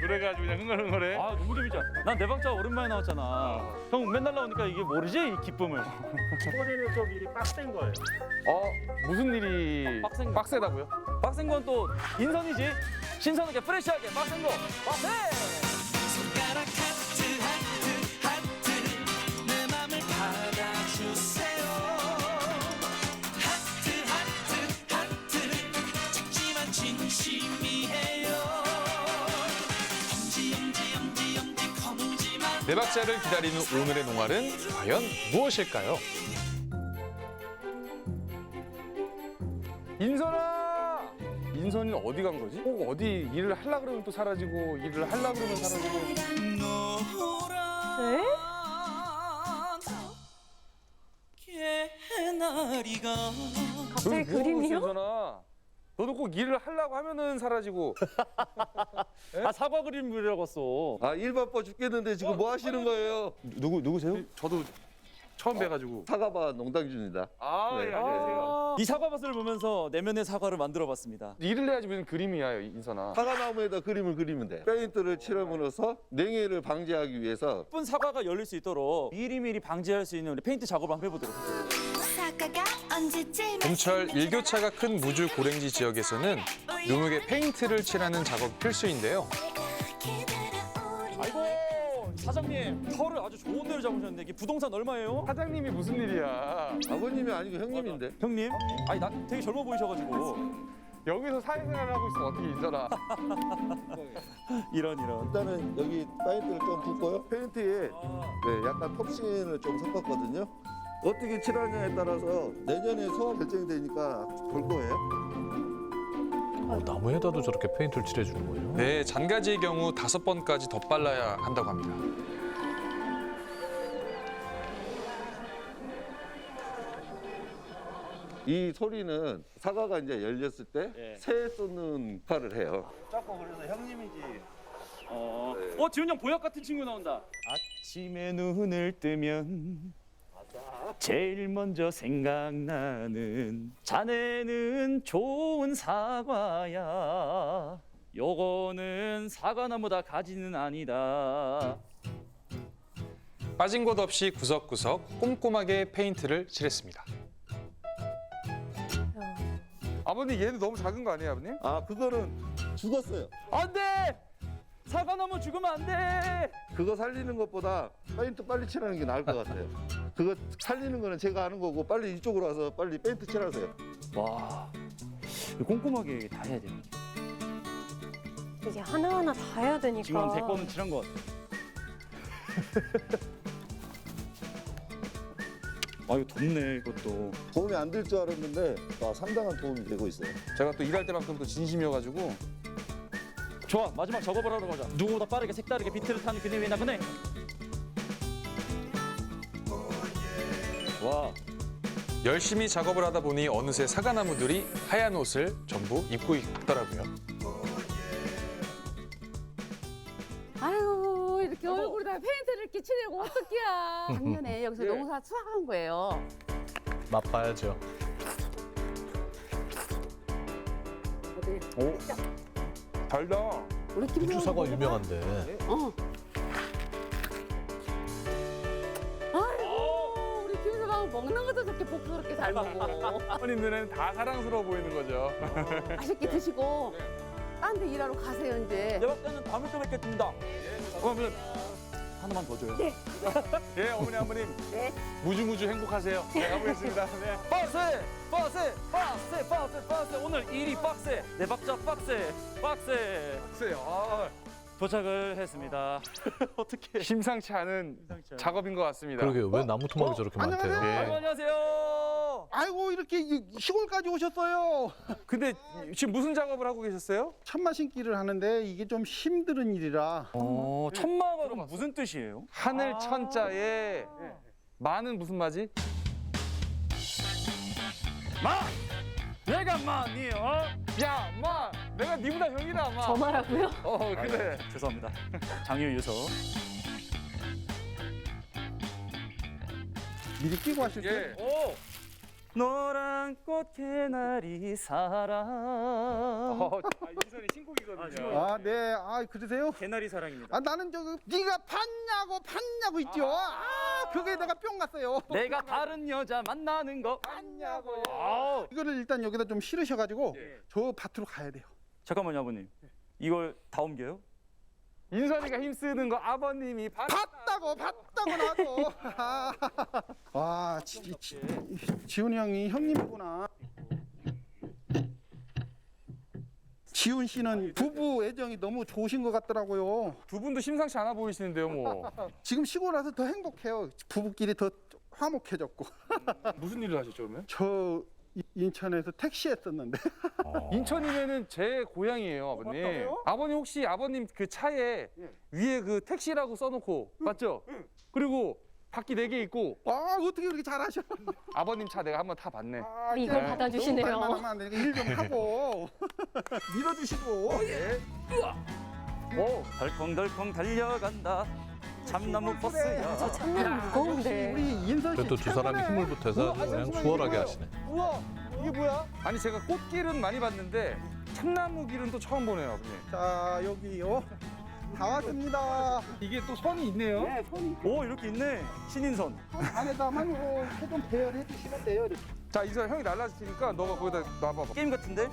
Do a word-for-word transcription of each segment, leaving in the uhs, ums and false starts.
노래가 아주 그냥 흥얼흥얼해. 아 너무 재밌지 않아? 난 내 박자 오랜만에 나왔잖아. 형 맨날 나오니까 이게 모르지 이 기쁨을. 소리는 좀 일이 빡센 거예요. 어 무슨 일이 빡센 거. 빡세다고요? 빡센 건 또 인선이지. 신선하게 프레시하게 빡센 거. 빡세. 손가락 하트 하트 하트 내 맘을 받아주세요. 하트 하트 하트 작지만 진심이에요. 엄지 엄지 엄지 엄지 검지만 네 박자를 기다리는 오늘의 농활은 과연 무엇일까요? 인선아! 인선이는 어디 간 거지? 꼭 어디 일을 하려 그러면 또 사라지고 일을 하려 그러면 사라지고. 노란 개나리가 갑자기 뭐 하고 있어, 그림이요? 인선아? 너도 꼭 일을 하려고 하면은 사라지고. 아 사과 그림 그려봤어. 아 일 바빠 죽겠는데 지금 뭐 하시는 거예요? 누구 누구세요? 저도 처음 뵈가지고. 사과바 농당준입니다. 아, 네. 예, 안녕하세요. 이 사과밭을 보면서 내면의 사과를 만들어봤습니다. 일을 해야지 무슨 그림이야, 인선아. 사과나무에다 그림을 그리면 돼. 페인트를 칠함으로써 냉해를 방지하기 위해서 예쁜 사과가 열릴 수 있도록 미리미리 방지할 수 있는 우리 페인트 작업을 한번 해보도록 하겠습니다. 사과가 언제쯤 봄철 일교차가 큰 무주 고랭지 지역에서는 묘목에 페인트를 칠하는 작업 필수인데요. 아이고 사장님 털을 아주 좋은 데를 잡으셨는데 이게 부동산 얼마예요? 사장님이 무슨 일이야? 아버님이 아니고 형님인데. 형님? 아니 나 되게 젊어 보이셔가지고 여기서 사회생활 하고 있으면 어떻게 인선아? 이런 이런. 일단은 여기 페인트를 좀 붓고요. 페인트에 네, 약간 톱신을 좀 섞었거든요. 어떻게 칠하냐에 따라서 내년에 소화 결정이 되니까 볼 거예요. 어, 나무에다도 저렇게 페인트를 칠해주는 거예요? 네, 잔가지의 경우 다섯 번까지 덧발라야 한다고 합니다. 이 소리는 사과가 이제 열렸을 때 예. 새 쏟는 역할을 해요. 자꾸 그래서 형님이지. 어, 어 지훈 형 보약 같은 친구 나온다. 아침에 눈을 뜨면 제일 먼저 생각나는 자네는 좋은 사과야. 요거는 사과나무다 가지는 아니다. 빠진 곳 없이 구석구석 꼼꼼하게 페인트를 칠했습니다. 아버님 얘는 너무 작은 거 아니에요, 아버님? 아 그거는 죽었어요. 안돼! 사과나무 죽으면 안돼! 그거 살리는 것보다 페인트 빨리 칠하는 게 나을 것 같아요. 그거 살리는 거는 제가 아는 거고 빨리 이쪽으로 와서 빨리 페인트 칠하세요. 와, 이거 꼼꼼하게 다 해야 돼. 이게 하나하나 다 해야 되니까. 지금 한 백 번은 칠한 것 같아. 아 이거 덥네 이것도. 도움이 안 될 줄 알았는데 아, 상당한 도움이 되고 있어요. 제가 또 일할 때만큼 또 진심이어가지고. 좋아 마지막 작업을 하러 가자. 누구보다 빠르게 색다르게 비트를 타는 그녀의 나그네. 와 열심히 작업을 하다 보니 어느새 사과나무들이 하얀 옷을 전부 입고 있더라고요. 아유 이렇게 얼굴에다 페인트를 이렇게 칠하고 어떡해야. 작년에 여기서 농사 수확한 거예요. 맛봐야죠. 어디? 오, 달다. 우리 김 우주 사과 유명한데. 어. 아이고 우리 김서방 먹는 것도 저렇게 복스럽게 잘 먹고 아버님 눈에는 다 사랑스러워 보이는 거죠. 맛있게 드시고 딴 데 일하러 가세요 이제. 내가 때는 다음에 또 뵙겠습니다. 그러면 하나만 더 줘요. 네. 예, 어머니, 아버님. 네. 무주무주 행복하세요. 네, 가보겠습니다. 네. 빡세! 빡세! 빡세! 빡세! 빡세! 오늘 일이 빡세! 내 박자 빡세! 빡세! 글쎄요. 아, 도착을 했습니다. 어떻게? 심상치 않은 작업인 것 같습니다. 그러게요. 왜 나무 토막이 저렇게 많대요? 아이고, 안녕하세요. 아이고 이렇게 이- 시골까지 오셨어요. 근데 지금 무슨 작업을 하고 계셨어요? 천마 심기를 하는데 이게 좀 힘든 일이라 어, 천마가 그럼 무슨 뜻이에요? 하늘 천자에 마는 무슨 마지? 마! 내가 마니 어? 야, 마! 내가 니보다 형이다, 마. 저 말하고요? 어, 그래. 죄송합니다. 장유 유서. 미리 끼고 하실 때 예. 오! 노란 꽃 개나리 사랑. 어, 아, 인선이 신곡이거든요. 아, 네. 아, 그러세요? 개나리 사랑입니다. 아, 나는 저거 네가 팠냐고 팠냐고 있죠. 아, 그게 내가 뿅 갔어요. 내가 다른 여자 만나는 거. 팠냐고요. 아우. 이거를 일단 여기다 좀 실으셔가지고 예. 저 밭으로 가야 돼요. 잠깐만요, 아버님. 이걸 다 옮겨요? 인선이가 힘쓰는 거 아버님이 봤. 봤다고 봤다고 나도. 와, 지, 지, 지훈이 형이 형님이구나. 지훈 씨는 부부 애정이 너무 좋으신 것 같더라고요. 두 분도 심상치 않아 보이시는데요, 뭐. 지금 시골 와서 더 행복해요. 부부끼리 더 화목해졌고. 무슨 일을 하셨죠, 그러면? 저 이- 인천에서 택시 했었는데. 인천이면은 제 고향이에요, 아버님. 맞다고요? 아버님 혹시 아버님 그 차에 위에 그 택시라고 써놓고 맞죠? 그리고 바퀴 네 개 있고 아, 어떻게 그렇게 잘하셔? 아버님 차 내가 한번 타봤네. 아, 이걸 네. 받아주시네요. 너무 말만 하면 일 좀 하고 밀어주시고. 오, 덜컹덜컹 달려간다. 참나무 버스야. 저 참나무 무거운데. 우리 인선 씨. 그래도 두 사람이 최고네. 힘을 보태서 우와, 아주 그냥 잠시만요, 수월하게 이게 하시네. 뭐야? 우와, 이게 뭐야? 아니 제가 꽃길은 많이 봤는데 참나무 길은 또 처음 보네요, 아버님. 자, 여기요. 다 왔습니다. 이게 또 선이 있네요. 네, 손이 오, 이렇게 있네. 신인선. 안에다만 이렇게 좀 배열해 주시면 돼요. 이렇게. 자, 인선 형이 날라지니까 너가 거기다 놔봐봐. 게임 같은데?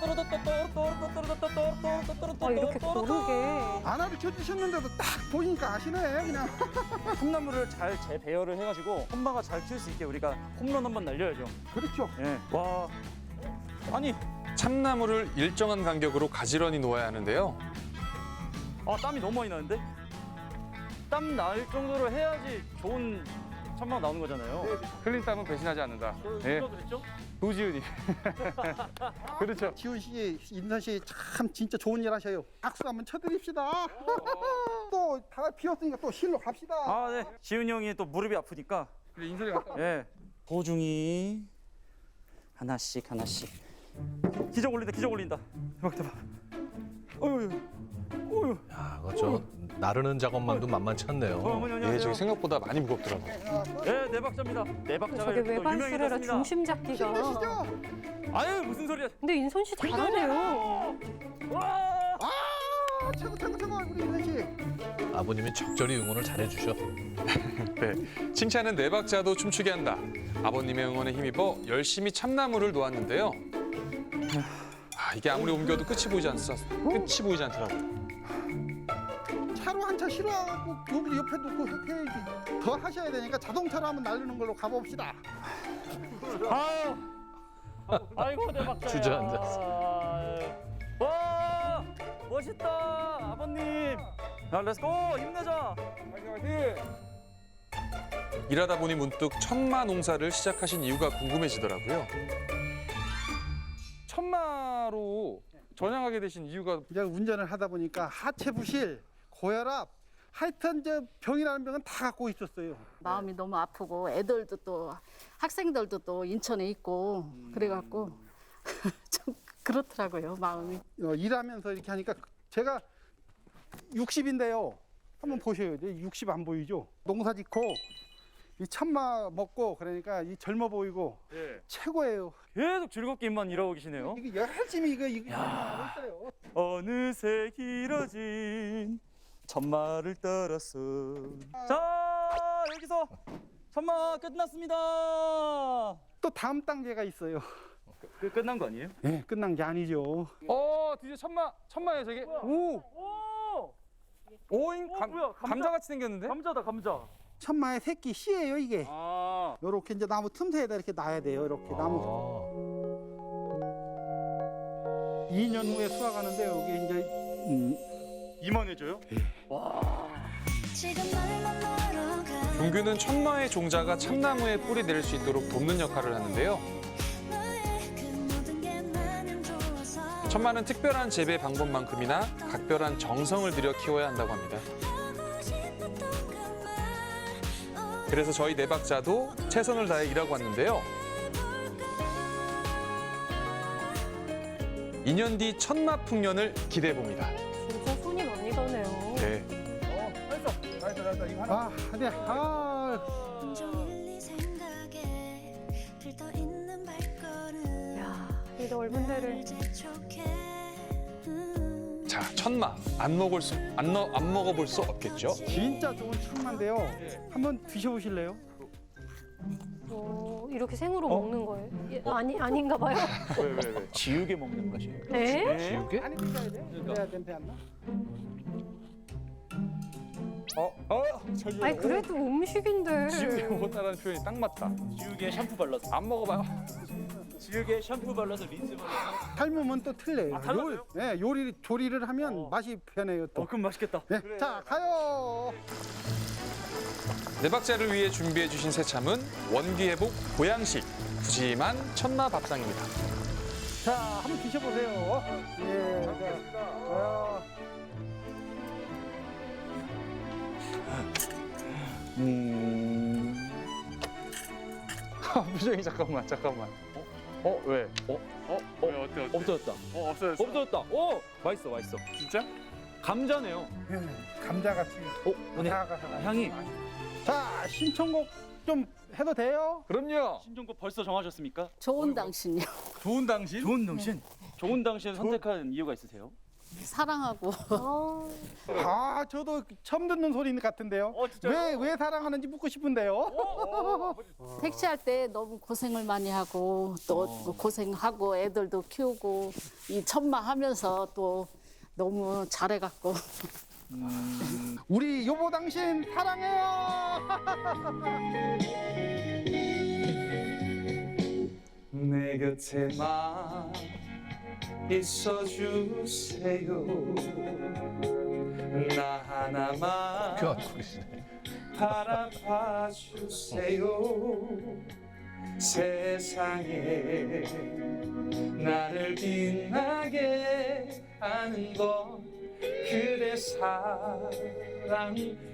아, 이렇게 고르게. 안화를 쳐주셨는데도 딱 보니까 아시네, 그냥. 콩나물을 잘 재배열을 해가지고 엄마가 잘 키울 수 있게 우리가 홈런 한번 날려야죠. 그렇죠. 예. 와. 아니, 참나무를 일정한 간격으로 가지런히 놓아야 하는데요. 아 땀이 너무 많이 나는데? 땀 날 정도로 해야지 좋은 천막 나오는 거잖아요. 흘린 땀은 배신하지 않는다. 그, 예, 누가 그랬죠? 도지은이. 그렇죠. 지훈 씨, 인선 씨 참 진짜 좋은 일 하셔요. 박수 한번 쳐드립시다. 또 다 비었으니까 또 실로 갑시다. 아, 네. 지훈이 형이 또 무릎이 아프니까. 그래, 인선이 갔다. 예. 보중이 하나씩 하나씩. 기적 올린다, 기적 올린다. 대박, 대박. 어휴, 어휴. 야, 그렇죠. 나르는 작업만도 만만치 어, 않네요. 어머니 예, 안녕하세요. 저기 생각보다 많이 무겁더라고요. 예, 네 박자입니다. 네 박자가 저게 이렇게 또 외반수레라 유명해졌습니다. 중심 잡기가. 힘내시죠? 아유, 무슨 소리야? 근데 인선 씨 잘하네요. 와! 아, 최고 최고 최고 우리 인선 씨. 아버님이 적절히 응원을 잘해주셔. 네, 칭찬은 네 박자도 춤추게 한다. 아버님의 응원에 힘입어 열심히 참나무를 놓았는데요. 아, 이게 아무리 옮겨도 끝이 보이지 않, 끝이 보이지 않더라고요. 차로 한 차 실어하고 여기 옆에 놓고 이렇게 해야지. 더 하셔야 되니까 자동차로 한번 날리는 걸로 가봅시다. 아유. 아이고, 내 박자야. 주저앉았어. 와! 멋있다. 아버님. 야, 렛츠고. 힘내자. 화이팅, 화이팅! 일하다 보니 문득 천마 농사를 시작하신 이유가 궁금해지더라고요. 천마로 전향하게 되신 이유가 이제 운전을 하다 보니까 하체 부실, 고혈압, 하여튼 저 병이라는 병은 다 갖고 있었어요. 마음이 너무 아프고 애들도 또 학생들도 또 인천에 있고 그래갖고 좀 그렇더라고요 마음이. 어, 일하면서 이렇게 하니까 제가 육십인데요. 한번 보셔요. 이제 육십 안 보이죠? 농사 짓고 이 참마 먹고 그러니까 이 젊어 보이고 예. 최고예요. 계속 즐겁게만 일하고 계시네요. 이게 열심히 이거 이거 하고 있어요. 어느새 길어진 천마를 따랐어. 자, 여기서 천마 끝났습니다. 또 다음 단계가 있어요. 그 끝난 거 아니에요? 예, 끝난 게 아니죠. 어, 드디어 천마, 천마예요, 저게. 오, 오! 오잉 어, 감, 뭐야, 감자? 감자같이 생겼는데? 감자다, 감자. 천마의 새끼 씨예요 이게. 아. 요렇게 이제 나무 틈새에다 이렇게 놔야 돼요. 이렇게 나무. 이 년 후에 수확하는데 여기 이제 음, 이만해져요? 동규는 천마의 종자가 참나무에 뿌리 내릴 수 있도록 돕는 역할을 하는데요. 천마는 특별한 재배 방법만큼이나 각별한 정성을 들여 키워야 한다고 합니다. 그래서 저희 네 박자도 최선을 다해 일하고 왔는데요. 이 년 뒤 천마 풍년을 기대해 봅니다. 진짜 손이 많이 가네요. 네. 아, 네. 아, 온종일 네 생각에 들떠 있는 이 넓은 데를. 자, 천마 안 먹을 수, 안, 넣, 안 먹어볼 수 없겠죠? 진짜 좋은 참마인데요. 한번 드셔보실래요? 어, 이렇게 생으로 먹는 거예요? 예, 아니 아닌가 봐요. 왜, 왜, 왜? 지우개 먹는 것이. 에? 지우개? 많이 드셔야 돼요. 그래야 냄새 안 나. 어? 어? 저기 아니 그래도 음식인데. 지우개 먹었다라는 표현이 딱 맞다. 지우개 샴푸 발라서. 안 먹어봐요. 지우개 샴푸 발라서 린스 발라서. 삶으면 또 틀려요. 아, 달라져요? 요리, 네, 요리 조리를 하면 어. 맛이 변해요 또. 어, 그럼 맛있겠다. 네. 자 가요. 네 박자를 위해 준비해 주신 새참은 원기회복 보양식 푸짐한 천마 밥상입니다. 자 한번 드셔보세요. 예. 자, 어, 음. 표정이 잠깐만, 잠깐만. 어? 어, 왜? 어? 어? 왜 어때 어때? 없어졌다. 어 없어졌어. 없어졌다. 오! 맛있어, 맛있어. 진짜? 감자네요. 예, 감자같이. 어, 오늘 아삭아삭한. 향이. 자 신청곡 좀 해도 돼요? 그럼요. 신종곡 벌써 정하셨습니까? 좋은 당신이요. 좋은 당신? 좋은 당신. 좋은 당신 선택한 이유가 있으세요? 사랑하고 어, 아 저도 처음 듣는 소리 같은데요. 어, 진짜요? 왜 왜 사랑하는지 묻고 싶은데요. 택시할 때 너무 고생을 많이 하고 또 어. 고생하고 애들도 키우고 이 천마 하면서 또 너무 잘해갖고 우리 여보 당신 사랑해요. 내 곁에만 있어주세요. 나 하나만 껴안고계시네. 바라봐주세요. 세상에 나를 빛나게 하는 건 그대 사랑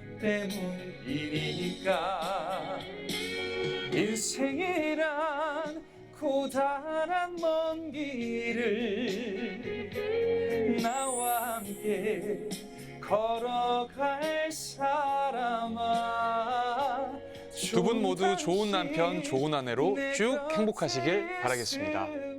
때문이니까. 인생이란 고단한 먼 길을 나와 함께 걸어갈 사람아. 두 분 모두 좋은 남편, 좋은 아내로 쭉 행복하시길 바라겠습니다.